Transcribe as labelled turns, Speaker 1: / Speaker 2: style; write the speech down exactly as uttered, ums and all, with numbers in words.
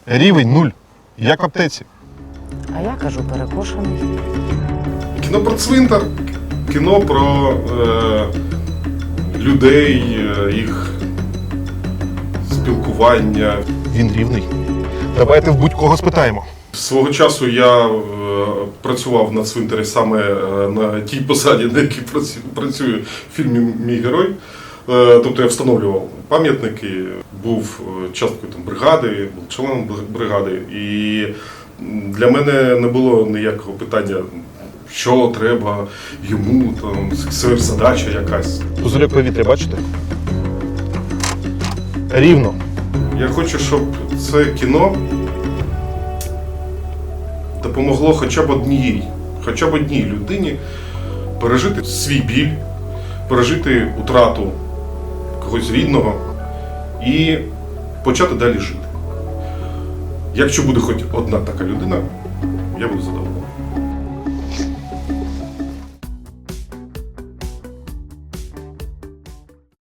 Speaker 1: Рівень нуль. Як в аптеці.
Speaker 2: А я кажу перекошений.
Speaker 3: Кіно про цвинтар, кіно про е, людей, е, їх спілкування.
Speaker 1: Він рівний. Давайте в будь-кого спитаємо.
Speaker 3: Свого часу я е, працював на цвинтарі саме е, на тій посаді, на якій працю- працюю в фільмі Мій герой. Е, тобто я встановлював пам'ятники, був е, часткою там, бригади, був членом бригади. І для мене не було ніякого питання, що треба йому, там, задача якась.
Speaker 1: Пузирьок повітря, бачите? Рівно.
Speaker 3: Я хочу, щоб це кіно допомогло хоча б одній, хоча б одній людині пережити свій біль, пережити утрату когось рідного і почати далі жити. Якщо буде хоч одна така людина, я буду задоволений.